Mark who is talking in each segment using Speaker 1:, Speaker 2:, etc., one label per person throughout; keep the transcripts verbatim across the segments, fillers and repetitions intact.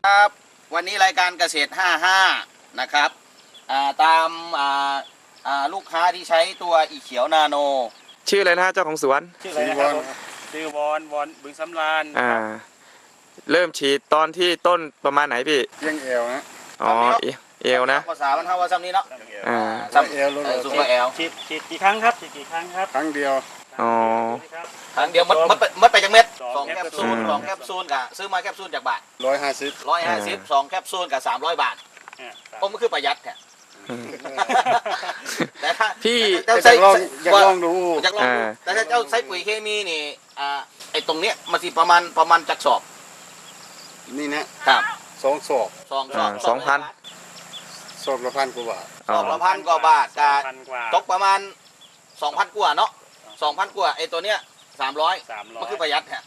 Speaker 1: ครับวันนี้รายการเกษตรห้าสิบห้านะครับตามลูกค้าที่ใช้ตัวอีเขียวนาโน
Speaker 2: ชื่ออะไรนะเจ้าของสวน
Speaker 3: ชื่ออะไรนะครับชื่อวอนวอนบึงสำราญ
Speaker 2: อ่าเริ่มฉีดตอนที่ต้นประมาณไหนพี่
Speaker 4: เพียงเอวนะ
Speaker 2: อ๋อเอวนะ
Speaker 1: ภาษามันเท่าว่าซ้ำนี้เนาะ
Speaker 2: อ่า
Speaker 1: ซ้ำเอวสูงกว่าเอว
Speaker 3: ฉีดฉีดกี่ครั้งครับฉีดกี่ครั้งครับ
Speaker 4: ครั้งเดียว
Speaker 2: อ๋อ
Speaker 1: ครั้งเดียวมัดมัดมัดไปจากเม็ดสองแคปซูลสองแคปซูลกับซื้อมาแคปซูลจากบาท
Speaker 4: ร้อยห้าสิบ
Speaker 1: ร้อยห้าสิบสองแคปซูลกับสามร้อยบาทผมก็คือประหยัดแค่
Speaker 2: แต่ถ้าพี่
Speaker 4: อยากลองอยากลองดู
Speaker 1: อยากลองดูแต่ถ้าเจ้าใช้ปุ๋ยเคมีนี่อ่าไอ้ตรงเนี้ยมันสิประมาณประมาณจักสอบ
Speaker 4: นี่นะครับสองศอก
Speaker 1: สองสอบ
Speaker 2: สองพัน
Speaker 4: ศอกละพันกว่าบาท
Speaker 1: สอบละพันกว่าบาทกับตกประมาณสองพันกว่าเนาะสองพันกว่าไอ้ตัวเนี้ยสามร้อยมันคือประหยัดฮะ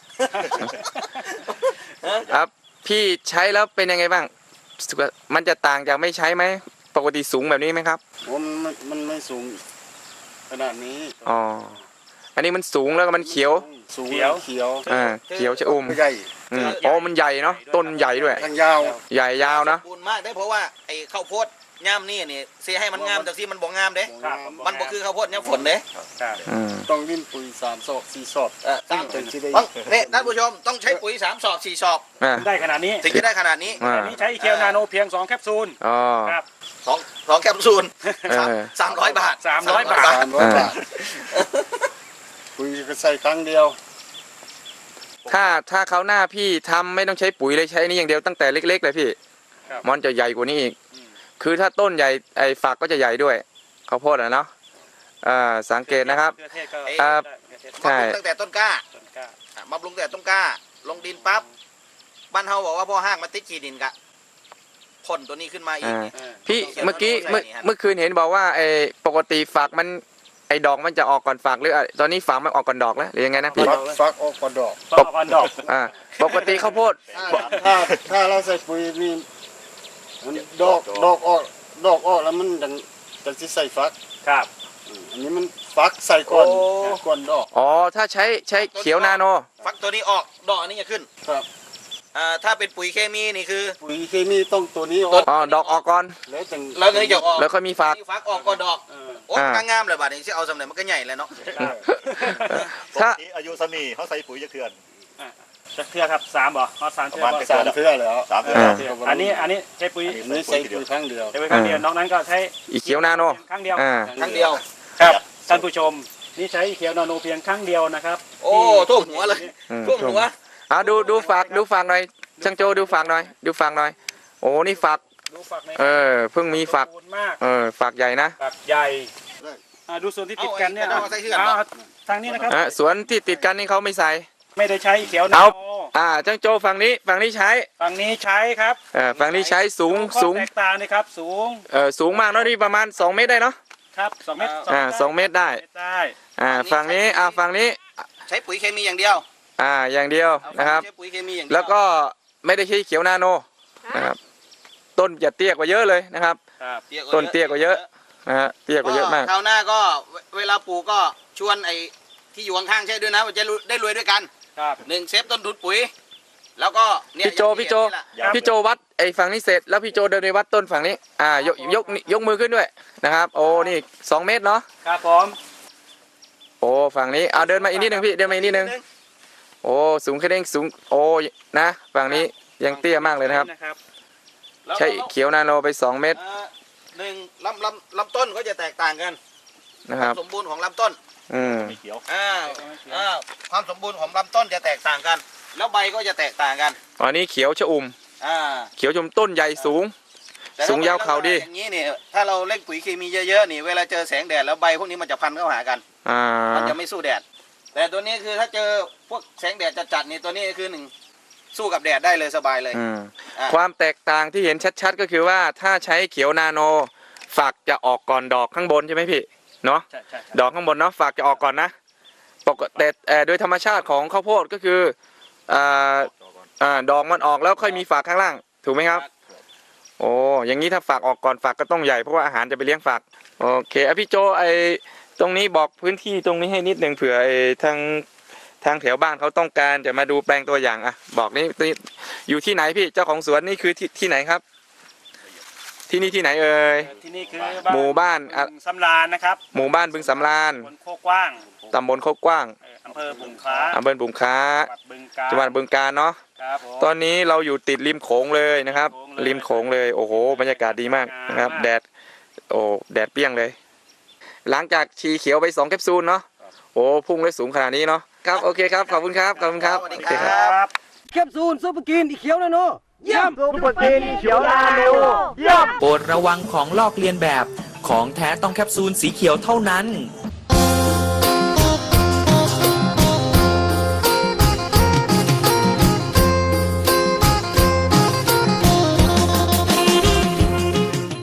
Speaker 2: ครับพี่ใช้แล้วเป็นยังไงบ้างมันจะต่างจากไม่ใช้ไหมปกติสูงแบบนี้ไหมครับ
Speaker 4: มันมันไม่สูงขนาดนี้
Speaker 2: อ๋ออันนี้มันสูงแล้วก็มันเขียว
Speaker 4: สูงเขียวเขียว
Speaker 2: อ่าเขียวชะอุ่ม
Speaker 4: ใหญ่
Speaker 2: อ๋อมันใหญ่เนาะต้นใหญ่ด้วย
Speaker 4: ทางยาว
Speaker 2: ใหญ่ยาวนะ
Speaker 1: สมบูรณ์มากได้เพราะว่าไอ้ข้าวโพดย่ามนี่นี่เสียให้มันงามแต่ที่มันบ่งามเด้มันบ่คือข้าวโพดย่ามฝนเด้
Speaker 4: ต้องวิ่งปุ๋ยสามศอกสี่ศอก
Speaker 1: สามถึงจะได้เนี่ยท่านผู้ชมต้องใช้ปุ๋ยสามศอกสี่ศอก
Speaker 3: ได้ขนาดนี้
Speaker 1: ถึงจะได้ขนาดนี้
Speaker 3: อันนี้ใช้อีเคียวนาโนเพียงสองแคปซูล
Speaker 2: อ๋อ
Speaker 3: ครับ
Speaker 1: สองสองแคปซูลสามร้อยบาท
Speaker 3: สามร้อยบาท
Speaker 4: สามร้อยบาทปุ๋ยก็ใส่ครั้งเดียว
Speaker 2: ถ้าถ้าเขาหน้าพี่ทำไม่ต้องใช้ปุ๋ยเลยใช้นี่อย่างเดียวตั้งแต่เล็กๆเลยพี่มันจะใหญ่กว่านี้อีกคือถ้าต้นใหญ่ไอ้ฝักก็จะใหญ่ด้วยข้าวโพดอ่ะเนาะอ่าสังเกตนะครับอ่า
Speaker 1: ใช่ตั้งแต่ต้นกล้ามาปรุงแต่ต้นกล้าลงดินปั๊บบ้านเฮาบอกว่าพ่อห้างมาติดขีดินกะพ่นตัวนี้ขึ้นมาอีก
Speaker 2: พี่เมื่อกี้เมื่อเมื่อคืนเห็นบอกว่าไอ้ปกติฝักมันไอ้ดอกมันจะออกก่อนฝักหรือตอนนี้ฝักมันออกก่อนดอกแล้วหรือยังไงนะพี่
Speaker 4: ฝักออกก่อนดอก
Speaker 3: ฝักออกก่อนดอก
Speaker 2: อ่าปกติข้าวโพด
Speaker 4: ถ้าถ้าเราใส่ปุ๋ยนี่ดอกดอกออกดอกออกแล้วมันจะจะที่ใส่ฟัก
Speaker 3: ครับ
Speaker 4: อันนี้มันฟักใส่ก่อนก่อนดอก
Speaker 2: อ๋อถ้าใช้ใช้เขียวนาโน
Speaker 1: ฟักตัวนี้ออกดอกอันนี้จะขึ้น
Speaker 4: ครับ
Speaker 1: อ่าถ้าเป็นปุ๋ยเคมีนี่คือ
Speaker 4: ปุ๋ยเคมีต้องตัวนี้อ
Speaker 2: อกอ๋อดอกออกก่อน
Speaker 4: แล้วจึง
Speaker 1: แล้วนี่จะออก
Speaker 2: แล้วค่อยมีฟัก
Speaker 1: ฟักออกก่อนดอกโอ้งามเลยบาดนี้ที่เอาสำเร็จมันก็ใหญ่เลยเนาะ
Speaker 5: ถ้าอายุสมีเขาใส่ปุ๋ยจะเขื่อน
Speaker 3: จะเทือครับสามบ่เขาสามเทือ
Speaker 4: สามเทือแล้ว
Speaker 5: สามเทือ
Speaker 3: อันนี้อันนี้ใช้ปุ๋ย
Speaker 4: นี่ใช้ปุ๋ยครั้งเดียว
Speaker 3: ใช้ปุ๋ยครั้งเดียวนอกนั้นก็ใช้
Speaker 2: อีเขียวนาโน
Speaker 3: ครั้งเดียว
Speaker 1: ครั้งเดียว
Speaker 3: ครับท่านผู้ชมนี่ใช้อีเขียวนาโนเพียงครั้งเดียวนะครับ
Speaker 1: โอ้ท่วมหัวเลยท่วมหัว
Speaker 2: อ่าดูดูฝากดูฝากหน่อยช่างโจดูฝากหน่อยดูฝากหน่อยโอ้นี่ฝากเออเพิ่งมีฝากเออฝากใหญ่นะ
Speaker 3: ฝากใหญ่ดูส่วนที่ติดกันเนี่ยทางนี้นะครับ
Speaker 2: สวนที่ติดกันนี่เขาไม่ใส่
Speaker 3: ไม่ได้ใช้เขียวนาโน
Speaker 2: อ่าช่างโจฝั่งนี้ฝั่งนี้ใช้
Speaker 3: ฝั่งนี้ใช้ครับ
Speaker 2: เออฝั่งนี้ใช้สูงสูง
Speaker 3: แตกต่างนะครับสูง
Speaker 2: เออสูงมากเนาะนี่ประมาณสองเมตรได้เนาะ
Speaker 3: ครับสองเมตร
Speaker 2: อ่าสองเมตรได้อ่าฝั่งนี้อ่าฝั่งนี้
Speaker 1: ใช้ปุ๋ยเคมีอย่างเดียว
Speaker 2: อ่าอย่างเดียวนะครับแล้วก็ไม่ได้ใช้เขียวนาโนนะครับต้นจะเตี้ยกว่าเยอะเลยนะครับต้นเตี้ยกว่าเยอะนะฮะเตี้ยกว่าเยอะมาก
Speaker 1: คราวหน้าก็เวลาปลูกก็ชวนไอ้ที่อยู่ข้างๆใช่ด้วยนะว่าจะได้รวยด้วยกันหนึ่งเซฟต้นทุนปุ๋ยแล้วก็
Speaker 2: พี่โจพี่โจพี่โจวัดไอ้ฝั่งนี้เสร็จแล้วพี่โจเดินไปวัดต้นฝั่งนี้อ่ายกยกยกมือขึ้นด้วยนะครับโอ้นี่สองเมตรเนาะ
Speaker 3: ครับผม
Speaker 2: โอ้ฝั่งนี้เอาเดินมาอีกนิดนึงพี่เดินมาอีกนิดนึงโอ้สูงแค่เด้งสูงโอ้นะฝั่งนี้ยังเตี้ยมากเลยนะครับใช้เขียวนาโนไปสองเมตร
Speaker 1: หนึ่งลำลำลำต้นก็จะแตกต่างกัน
Speaker 2: นะครับ
Speaker 1: สมบูรณ์ของลำต้น
Speaker 2: อืม
Speaker 1: อ่าอ่าความสมบูรณ์ของลำต้นจะแตกต่างกันแล้วใบก็จะแตกต่างกัน
Speaker 2: อันนี้เขียวชอุ่ม
Speaker 1: อ่า
Speaker 2: เขียวชมต้นใหญ่สูงสูงยาวเข่าดี
Speaker 1: อย่างนี้นี่ถ้าเราเล่นปุ๋ยเคมีเยอะๆนี่เวลาเจอแสงแดดแล้วใบพวกนี้มันจะพันเข้าหากัน
Speaker 2: อ่า
Speaker 1: มันจะไม่สู้แดดแต่ตัวนี้คือถ้าเจอพวกแสงแดดจัดๆนี่ตัวนี้คือหนึ่งสู้กับแดดได้เลยสบายเลย
Speaker 2: ความแตกต่างที่เห็นชัดๆก็คือว่าถ้าใช้เขียวนาโนฝักจะออกก่อนดอกข้างบนใช่ไหมพี่เนาะดอกข้างบนเนาะฝักจะออกก่อนนะปกติแต่โดยธรรมชาติของข้าวโพดก็คืออ่าอ่าดอกมันออกแล้วค่อยมีฝักข้างล่างถูกไหมครับโอ้อย่างนี้ถ้าฝักออกก่อนฝักก็ต้องใหญ่เพราะว่าอาหารจะไปเลี้ยงฝักโอเคอ่ะพี่โจไอตรงนี้บอกพื้นที่ตรงนี้ให้นิดหนึ่งเผื่อไอทางทางแถวบ้านเขาต้องการจะมาดูแปลงตัวอย่างอ่ะบอกนี่นี่อยู่ที่ไหนพี่เจ้าของสวนนี่คือที่ที่ไหนครับ ที่นี่ที่ไหนเอ่ย
Speaker 3: ที่นี่คือ
Speaker 2: หมู่บ้านอะ
Speaker 3: บึงสำราญนะครับ
Speaker 2: หมู่บ้านบึงสำราญ
Speaker 3: บนโคกกว้าง
Speaker 2: ตำบลโคกกว้าง
Speaker 3: เอ่ออำเภอบุงค้า
Speaker 2: อำเภอบุงค้า
Speaker 3: จังหวัดบึงกาฬ
Speaker 2: จังหวัดบึงกาฬเนาะ
Speaker 3: ครับผม
Speaker 2: ตอนนี้เราอยู่ติดริมโขงเลยนะครับ
Speaker 3: ริ
Speaker 2: ริม
Speaker 3: ม
Speaker 2: โข
Speaker 3: โข
Speaker 2: ง
Speaker 3: ง
Speaker 2: เล
Speaker 3: เลย ย
Speaker 2: โอ้โหบรรยากาศดีมากนะครับ
Speaker 3: งามมาก
Speaker 2: แดดโอ้แดดเปรี้ยงเลย หลังจากชีเขียวไปสองแคปซูลเนาะโอ้พุ่งเลยสูงขนาดนี้เนาะครับโอเคครับขอบคุณครับขอบคุณครับ
Speaker 1: สวัสดี
Speaker 2: โอ
Speaker 1: ค
Speaker 2: เค
Speaker 1: รั
Speaker 2: ครับ
Speaker 1: บ
Speaker 3: แคปซูลซุปเปอร์กินอีเขียวนะโนเยี่ยม
Speaker 4: ซุปเปอร์กินเขียวนาโนเยี่ยม
Speaker 6: โปรดระวังของลอกเลียนแบบ ของแท้ต้องแคปซูลสีเขียวเท่านั้น